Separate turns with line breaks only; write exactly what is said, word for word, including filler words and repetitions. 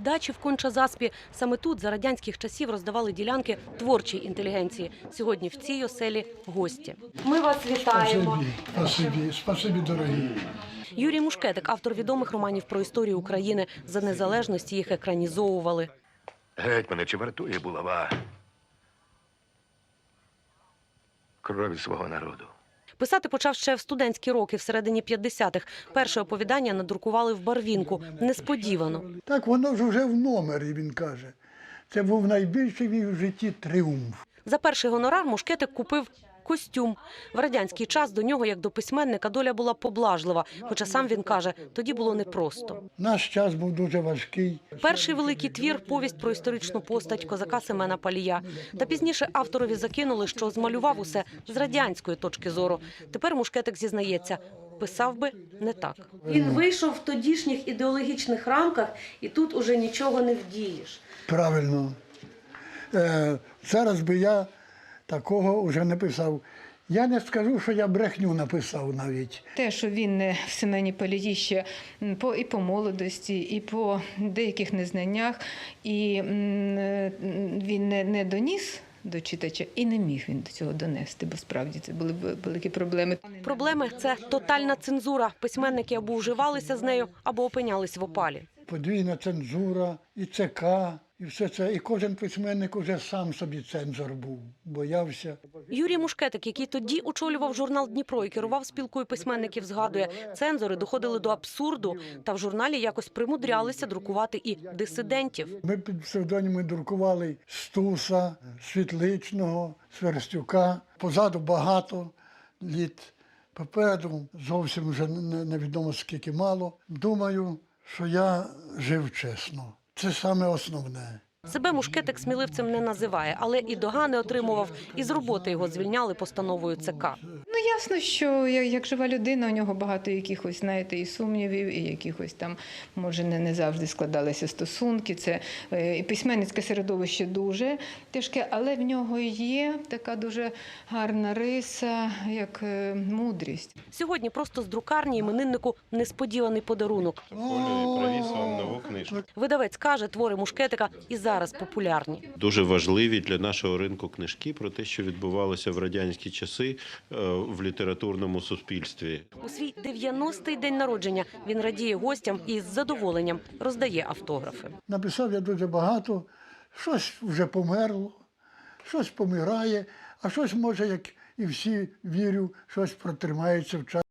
дачі в Конча-Заспі. Саме тут за радянських часів роздавали ділянки творчій інтелігенції. Сьогодні в цій оселі гості. Ми вас вітаємо.
Спасибі, спасибі, дорогі.
Юрій Мушкетик, автор відомих романів про історію України. За незалежності їх екранізовували.
Гетьмане, чи вартує булава крові свого народу?
Писати почав ще в студентські роки, всередині п'ятдесятих. Перше оповідання надрукували в Барвінку. Несподівано.
Так воно ж вже в номері, він каже. Це був найбільший мій в житті тріумф.
За перший гонорар Мушкетик купив костюм. В радянський час до нього, як до письменника, доля була поблажлива. Хоча сам він каже, тоді було непросто.
Наш час був дуже важкий.
Перший великий твір – повість про історичну постать козака Семена Палія. Та пізніше авторові закинули, що змалював усе з радянської точки зору. Тепер Мушкетик зізнається, писав би не так. Він вийшов в тодішніх ідеологічних рамках, і тут уже нічого не вдієш.
Правильно. Е, зараз би я такого вже не писав. Я не скажу, що я брехню написав навіть.
Те, що він в Семені Палії ще по, і по молодості, і по деяких незнаннях, і він не, не доніс до читача, і не міг він до цього донести, бо справді це були великі проблеми.
Проблеми – це тотальна цензура. Письменники або вживалися з нею, або опинялись в опалі.
Подвійна цензура, і ЦК, і все це. І кожен письменник уже сам собі цензор був, боявся.
Юрій Мушкетик, який тоді очолював журнал «Дніпро» і керував спілкою письменників, згадує, цензори доходили до абсурду, та в журналі якось примудрялися друкувати і дисидентів.
Ми під псевдоніми друкували Стуса, Світличного, Сверстюка. Позаду багато літ, попереду зовсім вже невідомо скільки мало. Думаю, що я жив чесно. Це саме основне.
Себе Мушкетик сміливцем не називає, але і догани отримував, і з роботи його звільняли постановою ЦК.
Ну, ясно, що як жива людина, у нього багато якихось, знаєте, і сумнівів, і якихось там, може, не, не завжди складалися стосунки. Це і письменницьке середовище дуже тяжке, але в нього є така дуже гарна риса, як мудрість.
Сьогодні просто з друкарні імениннику несподіваний подарунок.
Колю привіз вам нову книжку.
Видавець каже, твори Мушкетика і зараз популярні.
Дуже важливі для нашого ринку книжки про те, що відбувалося в радянські часи в літературному суспільстві.
У свій дев'яностий день народження він радіє гостям і з задоволенням роздає автографи.
Написав я дуже багато, щось вже померло, щось помирає, а щось, може, як і всі, вірю, щось протримається в часі.